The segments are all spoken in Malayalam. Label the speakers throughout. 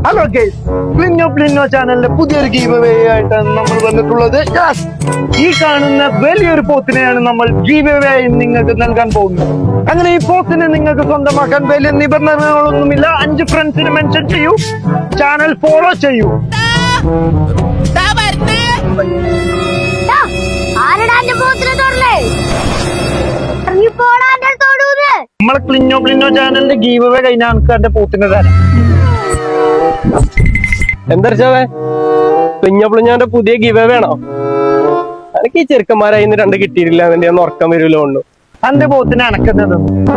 Speaker 1: ഹലോ ഗൈസ്, പ്ലിന്നോ ചാനലിന്റെ പുതിയൊരു ഗീവ് അവേ ആയിട്ടാണ് നമ്മൾ വന്നിട്ടുള്ളത്. ഈ കാണുന്ന വലിയൊരു പോത്തിനെയാണ് നമ്മൾ ഗീവ് അവേ ആയി നിങ്ങൾക്ക് നൽകാൻ പോകുന്നത്. അങ്ങനെ ഈ പോത്തിനെ നിങ്ങൾക്ക് സ്വന്തമാക്കാൻ വലിയ നിബന്ധനകളൊന്നുമില്ല. 5 ഫ്രണ്ട്സിനെ മെൻഷൻ ചെയ്യൂ, ചാനൽ ഫോളോ ചെയ്യൂ. നമ്മളെ പ്ലിന്നോ ചാനലിന്റെ ഗീവ് അവേ കഴിഞ്ഞാൽ നമുക്ക് എന്റെ പോത്തിനെ തരാം.
Speaker 2: എന്താ പ്ലിഞ്ഞാന്റെ പുതിയ ഗിവ വേണോ? എനിക്ക് ഈ ചെറുക്കന്മാരായി 2 കിട്ടിയിട്ടില്ല, അതിന്റെ ഒന്നും ഉറക്കം വരുമല്ലോ ഉള്ളു.
Speaker 1: എന്റെ പോത്തിനെ അണക്കുന്നത്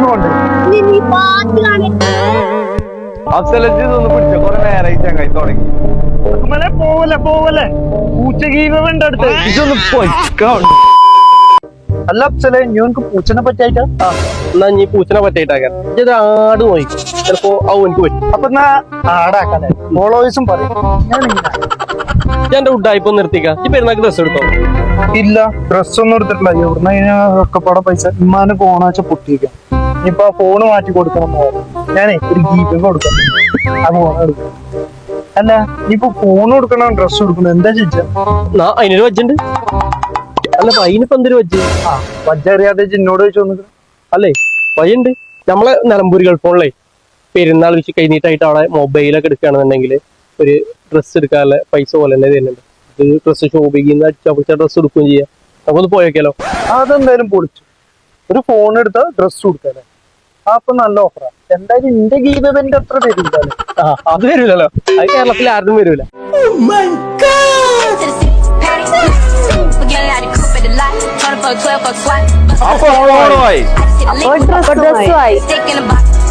Speaker 2: പിടിച്ചോ, കുറെ നേരമായി ചങ്ങായി തുടങ്ങി.
Speaker 1: പോവല്ലേ പൂച്ച ഗീവ വേണ്ട അടുത്ത്.
Speaker 2: ഇതൊന്ന് പൊയ്ക്കോ.
Speaker 1: അല്ല അഫ്സലെ, ഞങ്ങൾക്ക് പൂച്ചനെ പറ്റായിട്ടാ.
Speaker 2: എന്നാ നീ പൂച്ചനെ പറ്റായിട്ടാക്കാൻ ഇത് ആട് പോയി, ചിലപ്പോ എനിക്ക് പറ്റും.
Speaker 1: അപ്പൊ എന്നാ ആടാക്കാല്ലേ, ഫോളോവേഴ്സും പറയും.
Speaker 2: ഞാൻ എന്റെ ഉഡായിപ്പോ നിർത്തിക്കാം. ഈ പെരുന്നാക്ക് ഡ്രസ് എടുത്തോ?
Speaker 1: ഇല്ല, ഡ്രസ് ഒന്നും എടുത്തിട്ടില്ല. എവിടുന്ന ഒക്കെപ്പാടെ പൈസ ഇമ്മാന് ഫോണാച്ച പൊട്ടിക്കാം. ഇനിയിപ്പൊ ആ ഫോണ് മാറ്റി കൊടുക്കണം. ഞാനേ ഒരു ഗീവ് കൊടുക്കാം, ആ ഫോൺ എടുക്കാം. അല്ല ഇനിയിപ്പോ ഫോൺ കൊടുക്കണം, ഡ്രസ് കൊടുക്കണം, എന്താ ചോദിച്ചാ?
Speaker 2: അതിനൊരു വജ്ജുണ്ട്. അല്ല അതിനിപ്പോ എന്തൊരു വജ്ജ്?
Speaker 1: വജ്ജറിയാതെ എന്നോട് ചോദിച്ചു.
Speaker 2: അല്ലേ വഴിയുണ്ട്. നമ്മളെ നിലമ്പൂർ ഗൾഫ് ഫോണിലേ പെരുന്നാൾ വിഷു കഴിഞ്ഞിട്ടായിട്ട് അവിടെ മൊബൈലൊക്കെ എടുക്കുകയാണെന്നുണ്ടെങ്കിൽ ഒരു ഡ്രസ്സ് എടുക്കാനുള്ള പൈസ പോലെ തന്നെ തരുന്നുണ്ട്. ഇത് ഡ്രസ്സ് ഷോപ്പിൽ ചവിച്ച ഡ്രസ്സ് എടുക്കുകയും ചെയ്യാം. നമുക്കൊന്ന് പോയേക്കാലോ?
Speaker 1: അതെന്തായാലും പൊളിച്ചു. ഒരു ഫോൺ എടുത്താൽ ഡ്രസ് കൊടുക്കാല്ലേ, അപ്പൊ നല്ല ഓഫറാ. എന്തായാലും എന്റെ ഗീതന്റെ അത്ര വരില്ല.
Speaker 2: അത് വരൂലല്ലോ, അത് കേരളത്തിൽ ആരും വരൂല.
Speaker 3: ഡ്രസ്സുമായി